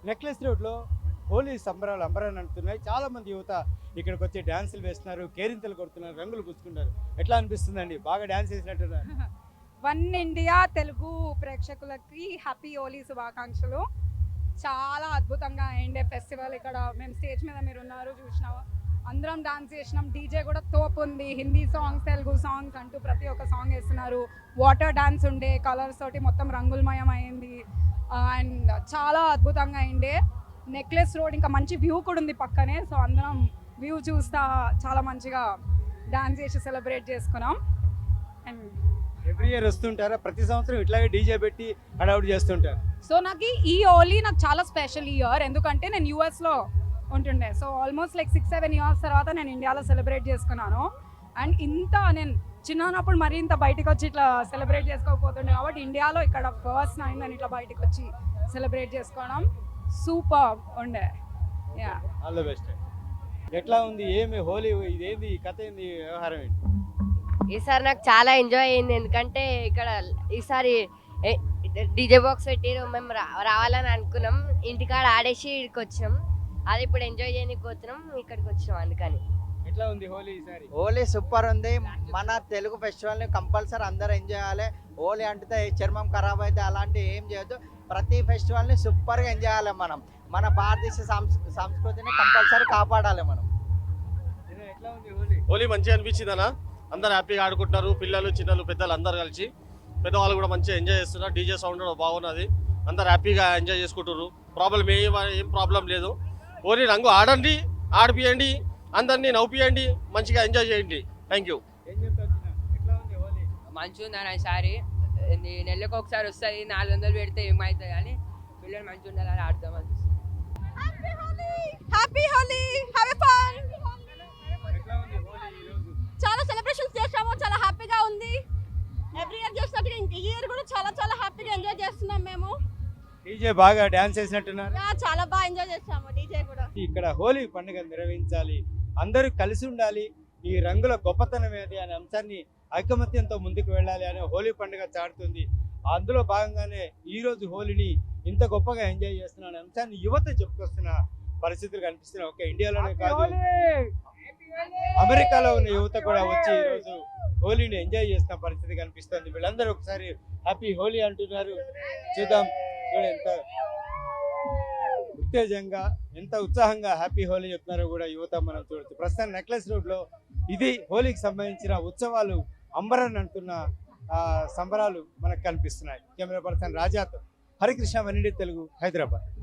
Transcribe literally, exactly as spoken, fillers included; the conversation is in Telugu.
నెక్లెస్ రోడ్లో హోలీ సంబరాలు అంబరాన్ని అంటున్నాయి. చాలా మంది యువత ఇక్కడికి వచ్చి డ్యాన్సులు వేస్తున్నారు, కేరింతలు కొడుతున్నారు, రంగులు పూసుకుంటారు. ఎట్లా అనిపిస్తుందండి? బాగా డ్యాన్స్ వేసినట్టున్నారు. వన్ ఇండియా తెలుగు ప్రేక్షకులకి హ్యాపీ హోలీ శుభాకాంక్షలు. చాలా అద్భుతంగా అయిండే ఫెస్టివల్. ఇక్కడ మేము స్టేజ్ మీద మీరు ఉన్నారు చూసినాం, అందరం డాన్స్ చేసినాం. డీజే కూడా తోపు ఉంది. హిందీ సాంగ్స్, తెలుగు సాంగ్స్ అంటూ ప్రతి ఒక్క సాంగ్ వేస్తున్నారు. వాటర్ డాన్స్ ఉండే, కలర్స్ తోటి మొత్తం రంగులమయం అయింది. అండ్ చాలా అద్భుతంగా అయిండే. నెక్లెస్ రోడ్ ఇంకా మంచి వ్యూ కూడా ఉంది పక్కనే. సో అందరం వ్యూ చూస్తా చాలా మంచిగా డాన్స్ చేసి సెలబ్రేట్ చేసుకున్నాం. అండ్ ఎవ్రీ ఇయర్ వస్తుంటారా? ప్రతి సంవత్సరం ఇట్లాగే డీజే పెట్టి హడావుడి చేస్తుంటారు. సో నాకు ఈ హోలీ నాకు చాలా స్పెషల్ ఇయర్, ఎందుకంటే నేను యూఎస్లో ఉంటుండే. So almost like six seven years తర్వాత నేను ఇండియాలో సెలబ్రేట్ చేసుకున్నాను. అండ్ ఇంత నేను చిన్నప్పుడు మరీ ఇంత బయటకు వచ్చి ఇట్లా సెలబ్రేట్ చేసుకోకపోతుండే, కాబట్టి ఇండియాలో ఇక్కడ ఫస్ట్ టైం నేను ఇట్లా బయటకు వచ్చి సెలబ్రేట్ చేసుకోవడం సూపర్ ఉండే. Yeah, all the best. ఎట్లా ఉంది? ఏమి హోలీ ఇదేంది కథ, ఏంది వ్యవహారం ఏంటి? ఈసారి నాకు చాలా ఎంజాయ్ అయింది, ఎందుకంటే ఇక్కడ ఈసారి డీజే బాక్స్ పెట్టిరు. మేము రా రావాలని అనుకున్నాం, ఇంటికాడ ఆడేసి ఇక్కడికి వచ్చినాం. అది ఇప్పుడు ఎంజాయ్ చేయడానికి పోతున్నాం, ఇక్కడికి వచ్చినాం అందుకని. ఎట్లా ఉంది హోలీ ఈసారి? హోలీ సూపర్ ఉంది. మన తెలుగు ఫెస్టివల్ని కంపల్సరీ అందరూ ఎంజాయ్ చేయాలి. హోలీ అంటే చర్మం ఖరాబ్ అయితే అలాంటివి ఏం చేయొద్దు. ప్రతి ఫెస్టివల్ని సూపర్గా ఎంజాయ్ చేయాలి. మనం మన భారతదేశ సంస్కృతిని కంపల్సరీ కాపాడాలి మనం. ఎట్లా ఉంది హోలీ? హోలీ మంచిగా అనిపించింది అన్న. అందరు హ్యాపీగా ఆడుకుంటున్నారు, పిల్లలు చిన్నలు పెద్దలు అందరు కలిసి. పెద్దవాళ్ళు కూడా మంచిగా ఎంజాయ్ చేస్తున్నారు. డీజే సౌండ్ బాగున్నది, అందరు హ్యాపీగా ఎంజాయ్ చేసుకుంటున్నారు. ప్రాబ్లం ఏం ఏం ప్రాబ్లం లేదు. హోలీ రంగు ఆడండి, ఆడిపియండి, అందరినీ నవ్వుపియండి, మంచిగా ఎంజాయ్ చేయండి. Thank you. ఏం చెప్తారు? ఎట్లా ఉంది హోలీ? మంచిగా ఉందని ఈసారి నెలకు ఒకసారి వస్తుంది, నాలుగు వందలు పెడితే ఏమవుతుంది కానీ పిల్లలు మంచిగా ఉండాలని ఆడదాం అనిపిస్తుంది. Happy Holi, happy fun. ఎట్లా ఉంది హోలీ ఈరోజు? చాలా సెలబ్రేషన్స్ చేసాము, చాలా హ్యాపీగా ఉంది. ఎవ్రీ ఇయర్ చేసినట్టుగా ఇంక ఈ ఇయర్ కూడా చాలా చాలా హ్యాపీగా ఎంజాయ్ చేస్తున్నాం మేము. డీజే బాగా డాన్స్ చేసినట్టున్నారు. యా, చాలా బాగా ఎంజాయ్ చేసాము డీజే కూడా. ఇక్కడ హోలీ పండుగ నిర్వహించాలి, అందరూ కలిసి ఉండాలి, ఈ రంగుల గొప్పతనం ఏది అనే అంశాన్ని ఐకమత్యంతో ముందుకు వెళ్ళాలి అనే హోలీ పండుగ చాటుతుంది. అందులో భాగంగానే ఈ రోజు హోలీని ఇంత గొప్పగా ఎంజాయ్ చేస్తున్న అనే అంశాన్ని యువత చెప్పుకొస్తున్న పరిస్థితులు కనిపిస్తున్నాయి. ఒక ఇండియాలోనే కాదు, అమెరికాలో ఉన్న యువత కూడా వచ్చి ఈ రోజు హోలీని ఎంజాయ్ చేస్తున్న పరిస్థితి కనిపిస్తుంది. వీళ్ళందరూ ఒకసారి హ్యాపీ హోలీ అంటున్నారు. చూద్దాం చూడ ఎంత ఉత్తేజంగా, ఎంత ఉత్సాహంగా హ్యాపీ హోలీ చెప్తున్నారో కూడా యువత మనం చూడొచ్చు. ప్రస్తుతం నెక్లెస్ రోడ్లో ఇది హోలీకి సంబంధించిన ఉత్సవాలు అంబరన్ అంటున్న సంబరాలు మనకు కనిపిస్తున్నాయి. కెమెరా పర్సన్ రాజాతో హరికృష్ణ, వన్ ఇండియా తెలుగు, హైదరాబాద్.